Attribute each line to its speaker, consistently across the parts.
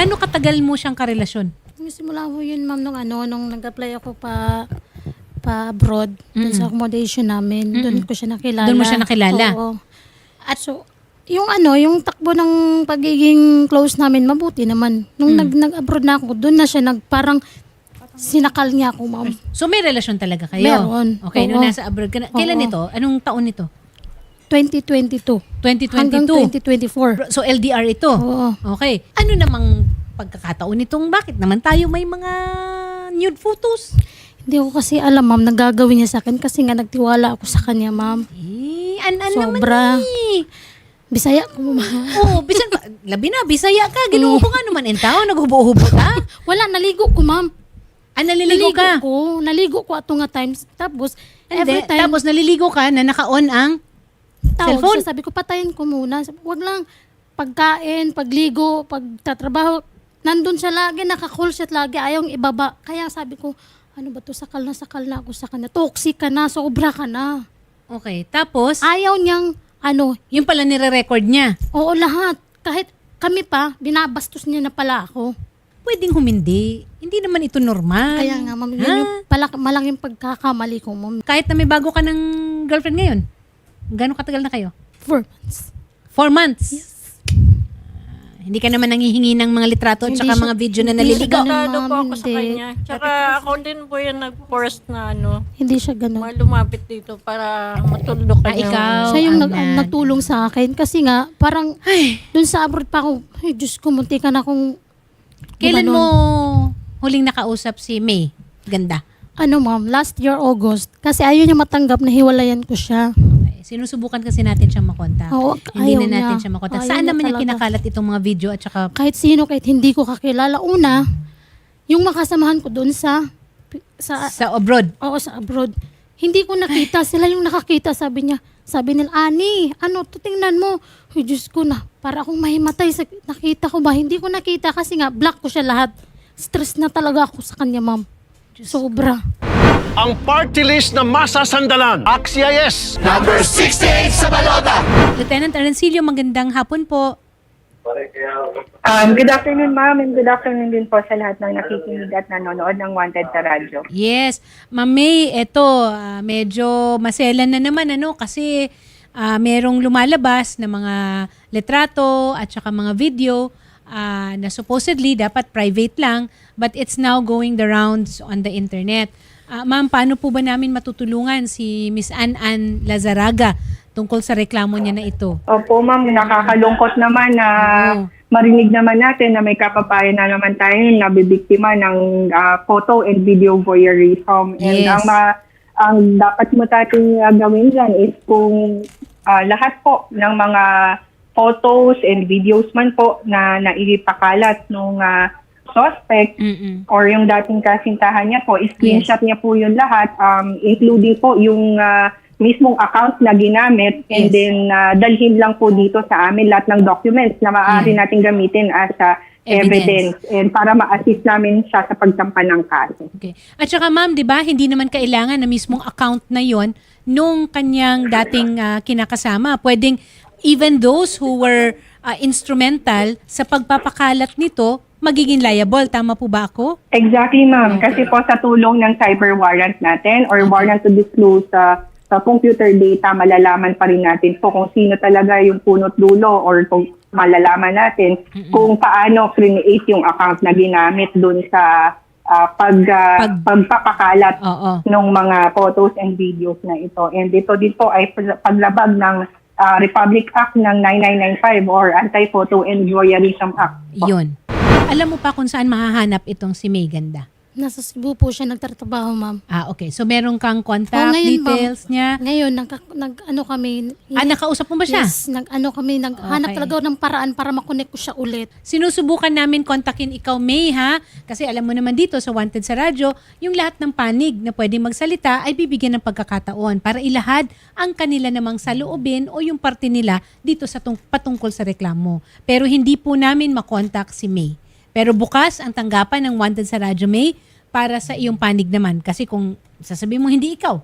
Speaker 1: Gaano katagal mo siyang karelasyon?
Speaker 2: Simula po yun, ma'am, nung nag-apply ako pa abroad, dun sa accommodation namin. Doon ko siya nakilala.
Speaker 1: Doon mo siya nakilala?
Speaker 2: Oo. At so, yung takbo ng pagiging close namin, mabuti naman. Nung nag-abroad na ako, doon na siya parang sinakal niya ako, ma'am.
Speaker 1: So may relasyon talaga kayo?
Speaker 2: Meron.
Speaker 1: Okay, nung
Speaker 2: Oo.
Speaker 1: nasa abroad ka na. Kailan
Speaker 2: Oo.
Speaker 1: ito? Anong taon ito?
Speaker 2: 2022.
Speaker 1: 2022?
Speaker 2: Hanggang 2024.
Speaker 1: So LDR ito?
Speaker 2: Oo.
Speaker 1: Okay. Ano namang pagkakataon nitong bakit naman tayo may mga nude photos?
Speaker 2: Hindi ko kasi alam, ma'am, nagagawin niya sa akin kasi nga nagtiwala ako sa kanya, ma'am.
Speaker 1: An
Speaker 2: Sobra.
Speaker 1: naman eh.
Speaker 2: Bisaya ko, ma'am.
Speaker 1: Oo, bisan pa. Labi na, bisaya ka. Ginuho nga naman in tao. Naghubo-hubo ka.
Speaker 2: Wala, naligo ko, ma'am.
Speaker 1: Naliligo ka.
Speaker 2: Naligo ko ato nga times. Tapos, every
Speaker 1: Hindi.
Speaker 2: time,
Speaker 1: Tapos naliligo ka na naka-on ang
Speaker 2: tawag
Speaker 1: cellphone.
Speaker 2: siya, sabi ko, patayin ko muna. Wag lang, pagkain, pagligo, pagtatrabaho, nandun siya lagi, naka-call siya lagi, ayaw ibaba. Kaya sabi ko, ano ba to, sakal na ako sa kanya. Toxic ka na, sobra ka na.
Speaker 1: Okay. Tapos,
Speaker 2: Ayaw niyang,
Speaker 1: yung pala nire-record niya.
Speaker 2: oo lahat. Kahit kami pa, binabastos niya na pala ako.
Speaker 1: Pwedeng humindi. Hindi naman ito normal.
Speaker 2: Kaya nga, ma'am, yun
Speaker 1: Ha?
Speaker 2: yung malaking pagkakamali ko, ma'am.
Speaker 1: Kahit na may bago ka ng girlfriend ngayon. Gano'ng katagal na kayo?
Speaker 2: 4 months.
Speaker 1: 4 months? Hindi ka naman nangihingi ng mga litrato at
Speaker 2: Hindi
Speaker 1: saka
Speaker 2: siya-
Speaker 1: mga video na
Speaker 2: hindi siya
Speaker 1: naliligo.
Speaker 2: ganun.
Speaker 3: Tado po
Speaker 2: Ma'am,
Speaker 3: ako sa
Speaker 2: hindi.
Speaker 3: kanya. Tsaka ako din po yung nag-force na
Speaker 2: Hindi siya ganun.
Speaker 3: lumapit dito para matulog ka niya.
Speaker 1: Ikaw.
Speaker 2: Siya yung
Speaker 1: Ayan.
Speaker 2: nagtulong sa akin kasi nga parang dun sa abroad pa ako, ay Diyos ko, munti ka na akong
Speaker 1: Kailan
Speaker 2: gumanon.
Speaker 1: mo huling nakausap si May? Ganda.
Speaker 2: Ma'am, last year August. Kasi ayaw niya matanggap na hiwalayan ko siya.
Speaker 1: Okay. Sinusubukan kasi natin siyang makontak.
Speaker 2: Oo,
Speaker 1: Hindi
Speaker 2: ayaw
Speaker 1: na natin
Speaker 2: niya.
Speaker 1: siya makontak.
Speaker 2: Ayaw
Speaker 1: Saan
Speaker 2: niya
Speaker 1: naman niya
Speaker 2: talaga.
Speaker 1: kinakalat itong mga video at saka
Speaker 2: Kahit sino, kahit hindi ko kakilala. Una, yung makasamahan ko dun sa
Speaker 1: sa abroad?
Speaker 2: oo, sa abroad. Hindi ko nakita. Sila yung nakakita, sabi niya. Sabi nila, Ani, tingnan mo. Ay, Diyos ko na. Para akong mahimatay. Nakita ko ba? Hindi ko nakita kasi nga, black ko siya lahat. Stress na talaga ako sa kanya, ma'am. Sobra.
Speaker 4: Ang party list na masasandalan. Axia yes!
Speaker 1: Lieutenant Arancilio, magandang hapon po.
Speaker 5: Good afternoon, ma'am, and good afternoon din po sa lahat ng nakikinig at nanonood ng Wanted sa radyo.
Speaker 1: Yes. Ma'am May, eto, medyo maselan na naman kasi merong lumalabas na mga litrato at saka mga video na supposedly dapat private lang but it's now going the rounds on the internet. Ma'am, paano po ba namin matutulungan si Miss Ann Lazaraga tungkol sa reklamo niya na ito?
Speaker 5: Opo, ma'am, nakakalungkot naman na marinig naman natin na may kapapayan na naman tayo na bibiktima ng photo and video voyeurism. And
Speaker 1: Yes.
Speaker 5: ang dapat mo natin gawin dyan is kung lahat po ng mga photos and videos man po na naipakalat nung suspect or yung dating kasintahan niya po, screenshot niya po yun lahat, including po yung mismong account na ginamit, and
Speaker 1: Yes.
Speaker 5: then dalhin lang po dito sa amin lahat ng documents na maaari natin gamitin as evidence and para ma-assist namin siya sa pagsampa ng kaso.
Speaker 1: Okay. At saka ma'am, 'di ba, hindi naman kailangan na mismong account na 'yon nung kanyang dating kinakasama. Pwedeng even those who were instrumental sa pagpapakalat nito magiging liable. Tama po ba ako?
Speaker 5: Exactly, ma'am. Kasi po sa tulong ng cyber warrant natin or warrant to disclose sa computer data, malalaman pa rin natin po kung sino talaga yung punot dulo or kung malalaman natin kung paano create yung account na ginamit dun sa pagpapakalat
Speaker 1: Oo.
Speaker 5: ng mga photos and videos na ito. And ito din po ay paglabag ng Republic Act ng 9995 or Anti-Photo and Voyeurism Act.
Speaker 1: Yun. Alam mo pa kung saan mahahanap itong si May Ganda?
Speaker 2: Nasa Cebu po siya nagtatrabaho, ma'am.
Speaker 1: Okay. So meron kang contact
Speaker 2: ngayon,
Speaker 1: details niya?
Speaker 2: Ngayon, kami.
Speaker 1: Nakausap mo ba siya?
Speaker 2: Yes, naghanap
Speaker 1: Okay.
Speaker 2: talaga ng paraan para makonect ko siya ulit.
Speaker 1: Sinusubukan namin kontakin ikaw, May, ha? Kasi alam mo naman dito sa Wanted sa Radyo, yung lahat ng panig na pwedeng magsalita ay bibigyan ng pagkakataon para ilahad ang kanila namang saloobin o yung parte nila dito sa patungkol sa reklamo. Pero hindi po namin makontak si May. Pero bukas ang tanggapan ng Wanted sa Radyo, May, para sa iyong panig naman. Kasi kung sasabihin mo hindi ikaw,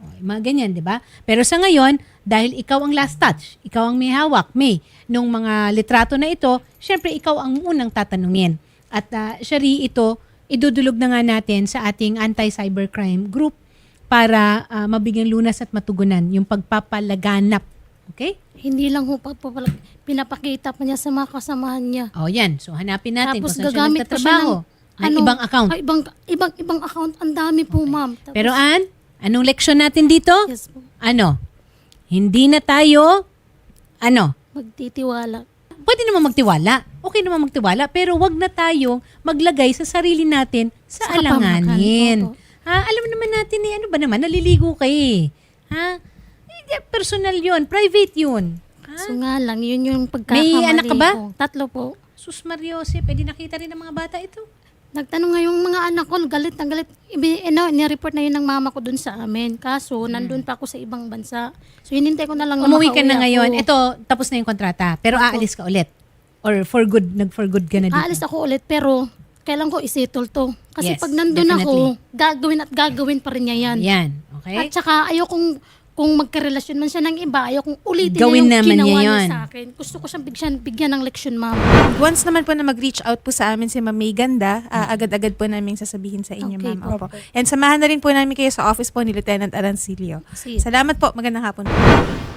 Speaker 1: O, mga ganyan, di ba? Pero sa ngayon, dahil ikaw ang last touch, ikaw ang may hawak, nung mga litrato na ito, syempre ikaw ang unang tatanungin. At Shari, ito, idudulog na nga natin sa ating anti-cybercrime group para mabigyan lunas at matugunan yung pagpapalaganap. Okay?
Speaker 2: Hindi lang ho pinapakita pa niya sa mga kasamahan niya.
Speaker 1: O yan, so hanapin natin
Speaker 2: Tapos
Speaker 1: kung saan siya
Speaker 2: gagamit pa siya
Speaker 1: nagtatrabaho.
Speaker 2: ng
Speaker 1: Ibang account.
Speaker 2: Ibang account. Ang dami po, ma'am. Tapos,
Speaker 1: Pero anong leksyon natin dito?
Speaker 2: yes po,
Speaker 1: Ano? Hindi na tayo,
Speaker 2: magtitiwala.
Speaker 1: pwede naman magtiwala. Okay naman magtiwala, pero wag na tayong maglagay sa sarili natin sa
Speaker 2: Sa
Speaker 1: alanganin.
Speaker 2: kapamakan, opo.
Speaker 1: Alam naman natin ano ba naman, naliligo ka eh. Personal yun, private yun.
Speaker 2: So nga lang, yun yung pagkakamali
Speaker 1: May anak ka ba?
Speaker 2: ko. 3 po.
Speaker 1: Sus Mariose, pwede nakita rin ng mga bata ito.
Speaker 2: Nagtanong nga yung mga anak ko, galit na galit. Ni-report na yun ng mama ko dun sa amin. Kaso, nandun pa ako sa ibang bansa. So, hinintay ko na lang
Speaker 1: Umuwi ka na
Speaker 2: makauwi
Speaker 1: ngayon.
Speaker 2: ako.
Speaker 1: Ito, tapos na yung kontrata. Pero aalis ka ulit. Or for good, nag-for good ka na dito.
Speaker 2: Aalis ako ulit, pero kailan ko isettle to. Kasi
Speaker 1: Yes,
Speaker 2: pag nandun
Speaker 1: definitely.
Speaker 2: ako, gagawin at gagawin pa rin niya yan.
Speaker 1: Yan. Okay?
Speaker 2: At saka, ayokong kung magkarelasyon man siya ng iba, ayokong ulitin
Speaker 1: Gawin
Speaker 2: niya yung
Speaker 1: naman
Speaker 2: ginawa
Speaker 1: niya
Speaker 2: niya
Speaker 1: yun.
Speaker 2: sa akin. Gusto ko siyang bigyan ng leksyon, ma'am.
Speaker 6: Once naman po na mag-reach out po sa amin si Ma'am May Ganda, agad-agad po namin sasabihin sa inyo,
Speaker 2: Okay,
Speaker 6: ma'am. Opo. And samahan na rin po namin kayo sa office po ni Lieutenant Arancilio.
Speaker 2: Sige.
Speaker 6: Salamat po. Magandang hapon po.